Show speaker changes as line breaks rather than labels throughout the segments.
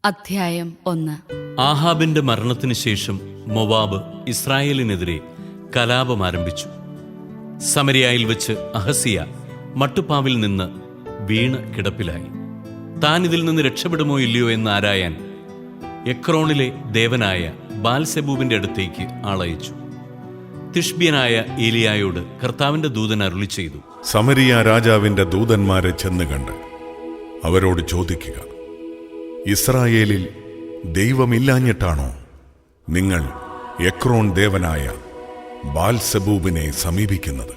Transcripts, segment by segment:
അധ്യായം 1.
ആഹാബിന്റെ മരണത്തിന് ശേഷം മോവാബ് ഇസ്രായേലിനെതിരെ കലാപം ആരംഭിച്ചു. സമരിയായിൽ വെച്ച് അഹസിയ മട്ടുപ്പാവിൽ നിന്ന് വീണ് കിടപ്പിലായി. താൻ ഇതിൽ നിന്ന് രക്ഷപ്പെടുമോ ഇല്ലയോ എന്ന് ആരായാൻ എക്രോണിലെ ദേവനായ ബാൽസെബൂബിന്റെ അടുത്തേക്ക് ആളയച്ചു. തിഷ്ബ്യനായ ഏലിയായോട് കർത്താവിന്റെ ദൂതൻ അരുളി ചെയ്തു,
സമരിയ രാജാവിന്റെ ദൂതന്മാരെ ചെന്ന് കണ്ട് അവരോട് ചോദിക്കുക, ഇസ്രായേലിൽ ദൈവമില്ലാഞ്ഞിട്ടാണോ നിങ്ങൾ എക്രോൺ ദേവനായ ബാൽസെബൂബിനെ സമീപിക്കുന്നത്?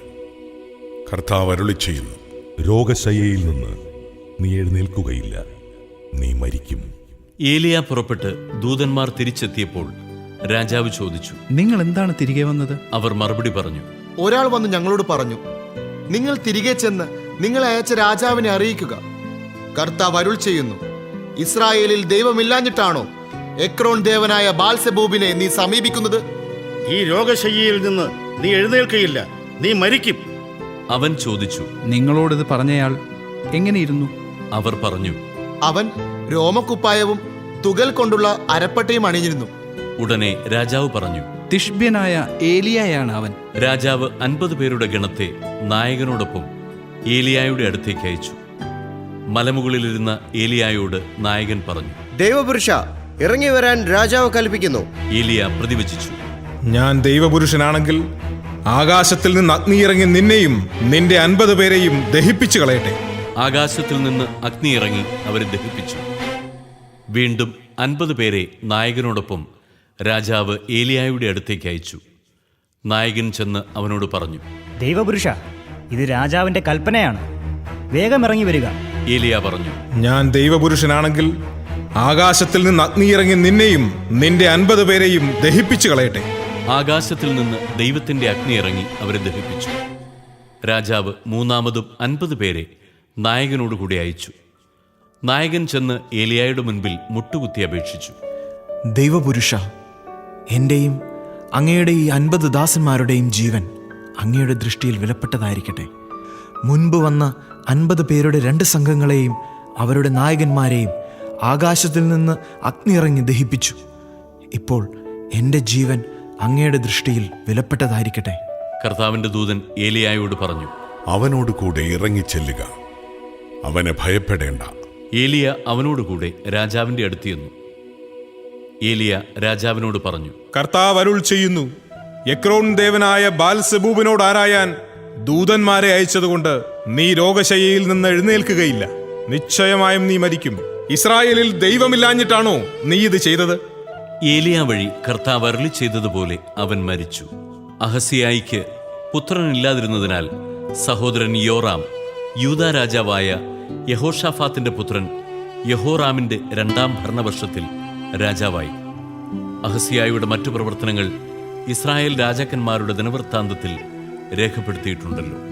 കർത്താവ് അരുളി ചെയ്യുന്നു,
രോഗശയ്യയിൽ നിന്ന് നീ എഴുന്നേൽക്കുകയില്ല, നീ മരിക്കും.
ഏലിയ പുറപ്പെട്ട് ദൂതന്മാർ തിരിച്ചെത്തിയപ്പോൾ രാജാവ് ചോദിച്ചു,
നിങ്ങൾ എന്താണ് തിരികെ വന്നത്?
അവർ മറുപടി പറഞ്ഞു,
ഒരാൾ വന്ന് ഞങ്ങളോട് പറഞ്ഞു, നിങ്ങൾ തിരികെ ചെന്ന് നിങ്ങളെ അയച്ച രാജാവിനെ അറിയിക്കുക. കർത്താവ് അരുൾ ചെയ്യുന്നു, ഇസ്രായേലിൽ ദൈവമില്ലാഞ്ഞിട്ടാണോ എക്രോൺ ദേവനായ ബാൽസെബൂബിനെ നീ സമീപിക്കുന്നത്?
ഈ രോഗശയ്യയിൽ നിന്ന് നീ എഴുന്നേൽക്കയില്ല, നീ മരിക്കും.
അവൻ ചോദിച്ചു,
നിങ്ങളോടിത് പറഞ്ഞയാൾ എങ്ങനെയിരുന്നു?
അവർ പറഞ്ഞു,
അവൻ രോമക്കുപ്പായവും തുകൽ കൊണ്ടുള്ള അരപ്പട്ടയും അണിഞ്ഞിരുന്നു.
ഉടനെ രാജാവ് പറഞ്ഞു,
തിഷ്ബ്യനായ ഏലിയായാണ് അവൻ.
രാജാവ് 50 പേരുടെ ഗണത്തെ നായകനോടൊപ്പം ഏലിയായുടെ അടുത്തേക്ക് അയച്ചു. മലമുകളിലിരുന്ന ഏലിയായോട് നായകൻ പറഞ്ഞു,
ദൈവപുരുഷ, ഇറങ്ങി വരാൻ രാജാവ് കൽപ്പിക്കുന്നു.
ഏലിയ പ്രതിവചിച്ചു,
ഞാൻ ദൈവപുരുഷനാണെങ്കിൽ ആകാശത്തിൽ നിന്ന് അഗ്നി ഇറങ്ങി നിന്നെയും നിന്റെ 50 പേരെയും ദഹിപ്പിച്ചു കളയട്ടെ.
ആകാശത്തിൽ നിന്ന് അഗ്നി ഇറങ്ങി അവരെ ദഹിപ്പിച്ചു. വീണ്ടും 50 പേരെ നായകനോടൊപ്പം രാജാവ് ഏലിയായുടെ അടുത്തേക്ക് അയച്ചു. നായകൻ ചെന്ന് അവനോട് പറഞ്ഞു,
ദൈവപുരുഷ, ഇത് രാജാവിന്റെ കൽപ്പനയാണ്, വേഗം ഇറങ്ങി വരിക.
ഏലിയ പറഞ്ഞു,
ഞാൻ ദൈവപുരുഷനാണെങ്കിൽ ആകാശത്തിൽ നിന്ന് അഗ്നി ഇറങ്ങി നിന്നെയും നിന്റെ 50 പേരെയും ദഹിപ്പിച്ചു കളയട്ടെ.
ആകാശത്തിൽ നിന്ന് ദൈവത്തിന്റെ അഗ്നി ഇറങ്ങി അവരെ ദഹിപ്പിച്ചു. രാജാവ് മൂന്നാമതും 50 പേരെ നായകനോടുകൂടി അയച്ചു. നായകൻ ചെന്ന് ഏലിയായുടെ മുൻപിൽ മുട്ടുകുത്തി അപേക്ഷിച്ചു,
ദൈവപുരുഷ, എന്റെയും അങ്ങയുടെ ഈ 50 ദാസന്മാരുടെയും ജീവൻ അങ്ങയുടെ ദൃഷ്ടിയിൽ വിലപ്പെട്ടതായിരിക്കട്ടെ. മുൻപ് വന്ന 50 പേരുടെ 2 സംഘങ്ങളെയും അവരുടെ നായകന്മാരെയും ആകാശത്തിൽ നിന്ന് അഗ്നി ഇറങ്ങി ദഹിപ്പിച്ചു. ഇപ്പോൾ എൻ്റെ ജീവൻ അങ്ങയുടെ ദൃഷ്ടിയിൽ വിലപ്പെട്ടതായിരിക്കട്ടെ.
കർത്താവിന്റെ ദൂതൻ ഏലിയായോട് പറഞ്ഞു,
അവനോട് കൂടെ ഇറങ്ങിച്ചെല്ലുക, അവനെ ഭയപ്പെടേണ്ട.
ഏലിയ അവനോടുകൂടെ രാജാവിന്റെ അടുത്ത് ചെന്നു. ഏലിയ രാജാവിനോട് പറഞ്ഞു,
കർത്താവ് അരുൾ ചെയ്യുന്നു, എക്രോൺ ദേവനായ ബാൽസെബൂബിനോട് ആരായാൻ ദൂതന്മാരെ അയച്ചതുകൊണ്ട് നീ രോഗശയ്യയിൽ നിന്ന് എഴുന്നേൽക്കുകയില്ല, നിശ്ചയമായും നീ മരിക്കും. ഇസ്രായേലിൽ ദൈവമില്ലാഞ്ഞിട്ടാണോ നീ ഇത് ചെയ്തത്?
ഏലിയ വഴി കർത്താവ് അരുളി ചെയ്തതുപോലെ അവൻ മരിച്ചു. അഹസിയായിക്ക് പുത്രനില്ലാതിരുന്നതിനാൽ സഹോദരൻ യോറാം യൂദാ രാജാവായ യഹോഷാഫാത്തിന്റെ പുത്രൻ യഹോറാമിന്റെ 2-ാം ഭരണവർഷത്തിൽ രാജാവായി. അഹസിയായുടെ മറ്റു പ്രവർത്തനങ്ങൾ ഇസ്രായേൽ രാജാക്കന്മാരുടെ ദിനവൃത്താന്തത്തിൽ രേഖപ്പെടുത്തിയിട്ടുണ്ടല്ലോ.